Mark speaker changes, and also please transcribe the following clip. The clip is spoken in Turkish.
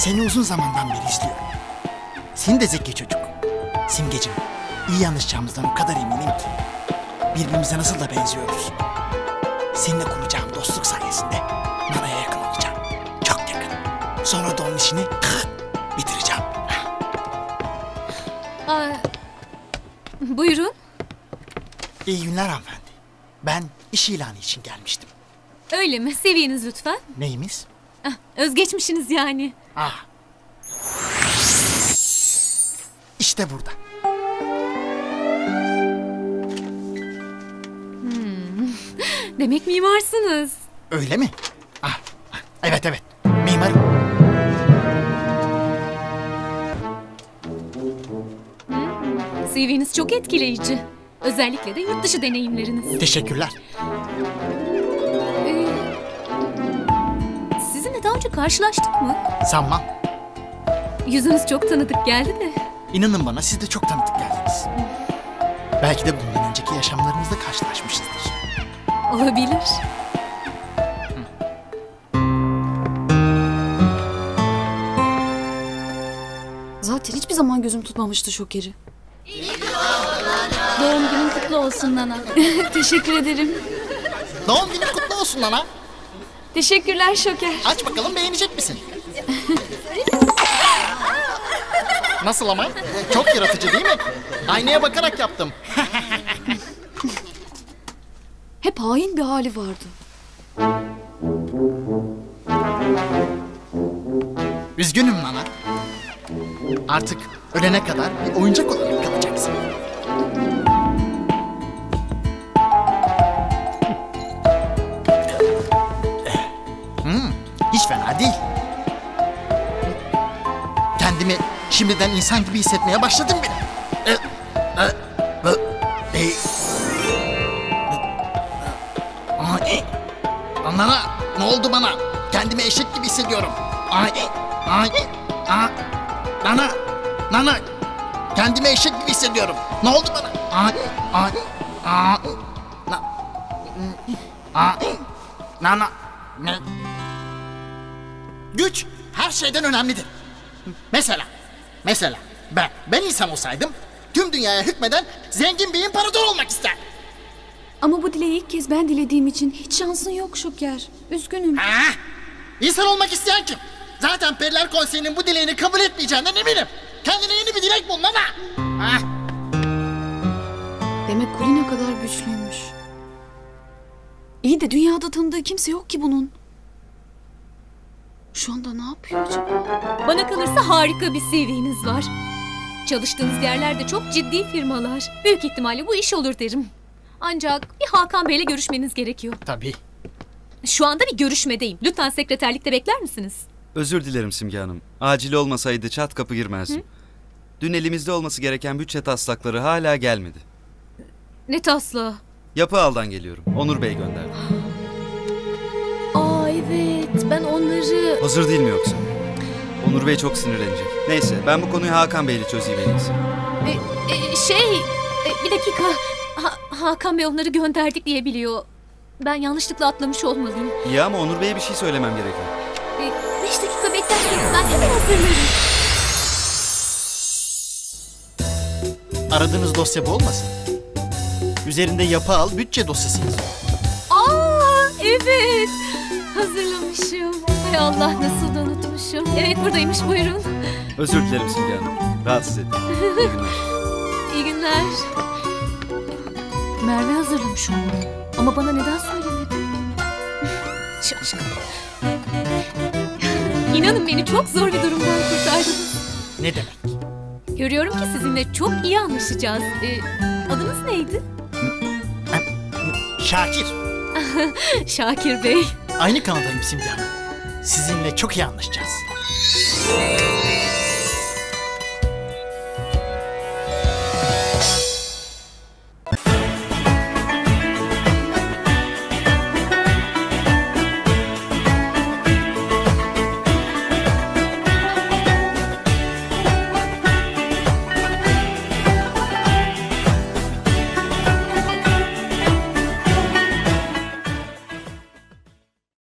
Speaker 1: Seni uzun zamandan beri izliyorum. Sen de zeki çocuk. Simgeciğim, iyi anlaşacağımızdan o kadar eminim ki. Birbirimize nasıl da benziyoruz. Seninle kuracağım dostluk sayesinde Nana'ya yakın olacağım. Çok yakın. Sonra da onun işini bitireceğim.
Speaker 2: Buyurun.
Speaker 1: İyi günler hanımefendi. Ben iş ilanı için gelmiştim.
Speaker 2: Öyle mi? Seviyeniz lütfen.
Speaker 1: Neyimiz?
Speaker 2: Özgeçmişiniz yani.
Speaker 1: İşte burada.
Speaker 2: Demek mimarsınız.
Speaker 1: Öyle mi? Evet evet. Mimarım.
Speaker 2: CV'niz çok etkileyici. Özellikle de yurt dışı deneyimleriniz.
Speaker 1: Teşekkürler.
Speaker 2: Sizinle daha önce karşılaştık mı?
Speaker 1: Sanmam.
Speaker 2: Yüzünüz çok tanıdık geldi de.
Speaker 1: İnanın bana siz de çok tanıdık geldiniz. Belki de bundan önceki yaşamlarımızda karşılaşmışızdır.
Speaker 2: Olabilir.
Speaker 3: Zaten hiçbir zaman gözüm tutmamıştı Şoker'i.
Speaker 2: Doğum günün kutlu olsun Nana.
Speaker 3: Teşekkür ederim.
Speaker 1: Doğum günün kutlu olsun Nana.
Speaker 3: Teşekkürler Şoker.
Speaker 1: Aç bakalım beğenecek misin? Nasıl ama? Çok yaratıcı değil mi? Aynaya bakarak yaptım.
Speaker 3: Hep hain bir hali vardı.
Speaker 1: Üzgünüm Nana. Artık ölene kadar bir oyuncak olarak kalacaksın. Hiç fena değil. Kendimi şimdiden insan gibi hissetmeye başladım bile. Nana, ne oldu bana? Kendimi eşek gibi hissediyorum. Nana, kendimi eşek gibi hissediyorum. Ne oldu bana? Nana, ne? Güç her şeyden önemlidir. Mesela ben insan olsaydım tüm dünyaya hükmeden zengin bir imparator olmak isterdim.
Speaker 3: Ama bu dileği ilk kez ben dilediğim için hiç şansın yok Şoker. Üzgünüm.
Speaker 1: İnsan olmak isteyen kim? Zaten Periler Konseyi'nin bu dileğini kabul etmeyeceğinden eminim. Kendine yeni bir dilek bul Nana.
Speaker 3: Demek Kulina kadar güçlüymüş. İyi de dünyada tanıdığı kimse yok ki bunun. Şu anda ne yapıyor acaba?
Speaker 2: Bana kalırsa harika bir CV'niz var. Çalıştığınız yerler de çok ciddi firmalar. Büyük ihtimalle bu iş olur derim. Ancak bir Hakan Bey'le görüşmeniz gerekiyor.
Speaker 1: Tabii.
Speaker 2: Şu anda bir görüşmedeyim. Lütfen sekreterlikte bekler misiniz?
Speaker 4: Özür dilerim Simge Hanım. Acil olmasaydı çat kapı girmezdim. Dün elimizde olması gereken bütçe taslakları hala gelmedi.
Speaker 2: Ne taslağı?
Speaker 4: Yapı Ağa'dan geliyorum. Onur Bey gönderdi.
Speaker 2: Evet, ben onları...
Speaker 4: Hazır değil mi yoksa? Onur Bey çok sinirlenecek. Neyse ben bu konuyu Hakan Bey'le çözeyim en iyisi.
Speaker 2: Bir dakika. Hakan Bey onları gönderdik diye biliyor. Ben yanlışlıkla atlamış olmalıyım.
Speaker 4: İyi ama Onur Bey'e bir şey söylemem gerekiyor.
Speaker 2: 5 dakika beklerseniz ben hemen hazırlarım.
Speaker 1: Aradığınız dosya bu olmasın? Üzerinde Yapı Al bütçe dosyası yazıyor.
Speaker 2: Evet. Hazırlamışım. Hay Allah, nasıl da unutmuşum. Evet, buradaymış, buyurun.
Speaker 4: Özür dilerim Simge Hanım. Rahatsız ettim. İyi günler.
Speaker 2: İyi günler. Merve hazırlamış onu. Ama bana neden söylemedi? Şaşkın. İnanın beni çok zor bir durumdan kurtardınız.
Speaker 1: Ne demek?
Speaker 2: Görüyorum ki sizinle çok iyi anlaşacağız. Adınız neydi?
Speaker 1: Şakir.
Speaker 2: Şakir Bey.
Speaker 1: Aynı kanadayım Simge Hanım. Sizinle çok iyi anlaşacağız.